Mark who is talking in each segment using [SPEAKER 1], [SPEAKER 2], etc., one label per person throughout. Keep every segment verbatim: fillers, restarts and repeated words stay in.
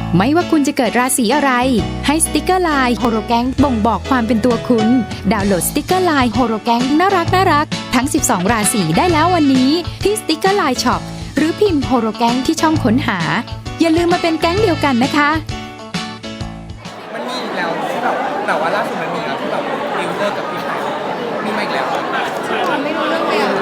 [SPEAKER 1] ไม่ว่าคุณจะเกิดราศีอะไรให้สติกเกอร์ไลน์โฮโรแกงบ่งบอกความเป็นตัวคุณดาวน์โหลดสติกเกอร์ไลน์โฮโรแกงน่ารักน่ารักทั้งสิบสองราศีได้แล้ววันนี้ที่สติกเกอร์ไลน์ช็อปหรือพิมพ์โฮโรแกงที่ช่องค้นหาอย่าลืมมาเป็นแก๊งเดียวกันนะคะ
[SPEAKER 2] มันมีอีกแล้วที่แบบแต่ว่าล่าสุดมันมีแล้วที่แบบดิวเลิกกับพี่ชายมีมาอีกแล้ว
[SPEAKER 3] มันไม่รู้เรื่องเลยอ่ะ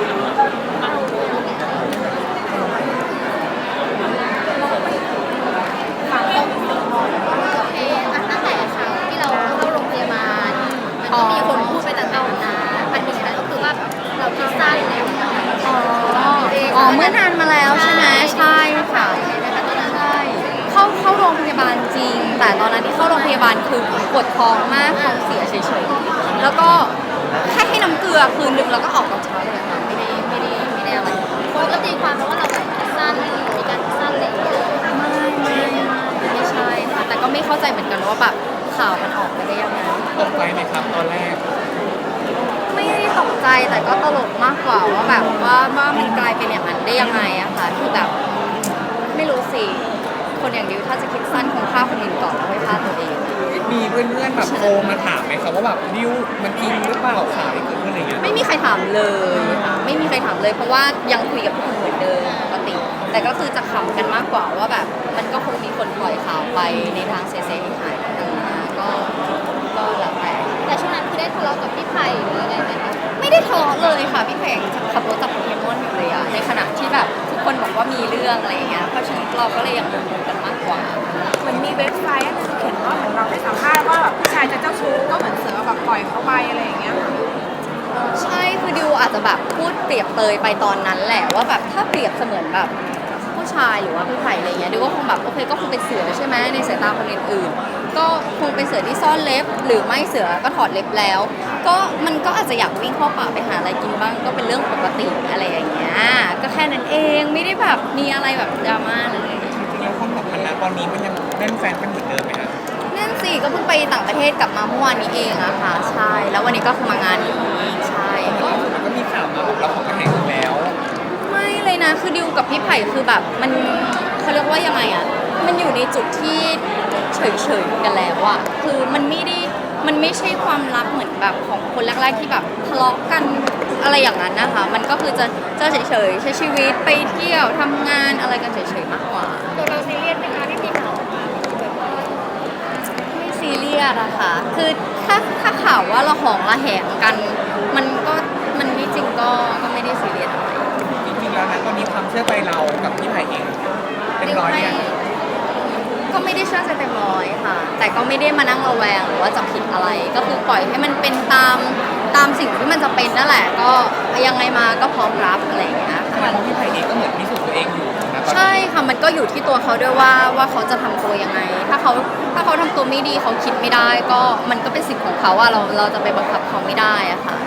[SPEAKER 3] ตั้งแต่ข่าวที่เราเข้าโรงพยาบาลมันก็มีคนพูดไปต่างๆนะอันนี้ก็คือว่าเราคิดสั้นแล้วอ๋อเมื่อนานมาแล้วใช่ไหมใช่ค่ะใช่เข้าเข้าโรงพยาบาลจริงแต่ตอนนั้นที่เข้าโรงพยาบาลคือปวดท้องมากท้องเสียเฉยๆแล้วก็แค่ให้น้ำเกลือคืนนึงแล้วก็ออกตอนเช้าเลยค่ะไม่ได้ไม่ได้ไม่ได้อะไรคนก็ตีความเพราะว่าเราแบบคิดสั้นมีการคิดสั้นเลยไม่ไม่ไม่ใช่ค่ะแต่ก็ไม่เข้าใจเหมือนกันว่าแบบข่าวมันออกมาได้ยังไง
[SPEAKER 2] ตกใจไหมครับตอนแรก
[SPEAKER 3] ไม่ได้ตกใจแต่ก็ตลกมากกว่าว่าแบบว่าว่ามันกลายเป็นอย่างนั้นได้ยังไงอะค่ะคือแบบไม่รู้สิคนอย่างดิวถ้าจะคิดสั้นคงฆ่าคนอื่นก่อนแล้วค่อยฆ่าตัวเอง
[SPEAKER 2] มีเพื่อนๆแบบโทรมาถามไหมครับว่าแบบดิวมันจริงหรือเปล่าข่าวที่เกิดขึ้นอะไรเงี้ย
[SPEAKER 3] ไม่มีใครถามเลยค่ะไม่มีใครถามเลยเพราะว่ายังคุยกับทุกคนเหมือนเดิมปกติแต่ก็คือจะขำกันมากกว่าว่าแบบมันก็คงมีคนปล่อยข่าวไปในทางเสียหายต่างๆก็ก็แล้วแต่แต่ช่วงนั้นคือได้ทะเลาะกับพี่ไผ่หรืออะไรไหมคะไม่ได้ทะเลาะเลยค่ะพี่ไผ่ขับรถจับโปเกมอนอยู่เลยอะในขณะที่แบบทุกคนบอกว่ามีเรื่องอะไรอย่างเงี้ยเพราะฉะนั้นเราก็เลยยังงงกันมากกว่า
[SPEAKER 4] เหมือนมีเว็บไซต์นึงเขียนว่าเหมือนเราไปสัมภาษณ์ว่าแบบผู้ชายจะเจ้าชู้ก็เหมือนเสือแบบปล่อยเขาไปอะไรอย่างเงี้ย
[SPEAKER 3] ใช่คือดิวอาจจะแบบพูดเปรียบเปยไปตอนนั้นแหละว่าแบบถ้าเปรียบเสมือนแบบผู้ชายหรือว่าพี่ไผ่อะไรเงี้ยดิวก็คงแบบโอเคก็คงเป็นเสือใช่ไหมในสายตาคนอื่นๆก็คงเป็นเสือที่ซ่อนเล็บหรือไม่เสือก็ถอดเล็บแล้วก็มันก็อาจจะอยากวิ่งเข้าป่าไปหาอะไรกินบ้างก็เป็นเรื่องปกติอะไรอย่างเงี้ยก็แค่นั้นเองไม่ได้แบบมีอะไรแบบดราม่าเลย
[SPEAKER 2] จริงๆแล้วความสัมพันธ์ณตอนนี้มันยังแน่นแฟนกันเหมือนเดิมไหมครับ
[SPEAKER 3] นั่นสิก็เพิ่งไปต่างประเทศกลับมาเมื่อวานนี้เองอะค่ะใช่แล้ววันนี้ก็คือมางานนี้ใช่
[SPEAKER 2] ก็ก็มีข่าวมาแบบเราของกระแหงแล้ว
[SPEAKER 3] ไม่เลยนะคือดิวกับพี่ไผ่คือแบบมันเขาเรียกว่ายังไงอะมันอยู่ในจุดที่เฉยๆกันแล้วอะคือมันไม่ได้มันไม่ใช่ความรักเหมือนแบบของคนแรกๆที่แบบทะเลาะกันอะไรอย่างนั้นนะคะมันก็คือจะจะเฉยๆใช้ชีวิตไปเที่ยวทำงานอะไรกันเฉยๆมากกว่า
[SPEAKER 4] ตัวเราซีเรียสไหมคะที่มีข่าวมา
[SPEAKER 3] ไม่ซีเรียสอะค่ะคือถ้าถ้าข่าวว่าเราหองระแหงกันมันก็มันไม่จริงก็ก็ไม่ได้ซีเรียสอะไร
[SPEAKER 2] จริงๆแล้วนะตอนนี้ความเชื่อใจเรากับพี่ไผ่เองเต็มร้อยเนี่ย
[SPEAKER 3] ก็ไม่ได้เชื่อใจเต็มร้อยค่ะแต่ก็ไม่ได้มานั่งระแวงหรือว่าจับผิดอะไรก็คือปล่อยให้มันเป็นตามตามสิ่งที่มันจะเป็นนั่นแหละก็ยังไงมาก็พร้อมรับอะไรอย่างเงี้ย
[SPEAKER 2] ค่ะเพราะพี่ไผ่เองก็เหมือนพิสูจน์ตัวเองอยู่นะ
[SPEAKER 3] ใช่ค่ะมันก็อยู่ที่ตัวเขาด้วยว่าว่าเขาจะทำตัวยังไงถ้าเขาถ้าเขาทำตัวไม่ดีเขาคิดไม่ได้ก็มันก็เป็นสิทธิ์ของเขาอะเราเราจะไปบังคับเขาไม่ได้อะค่ะ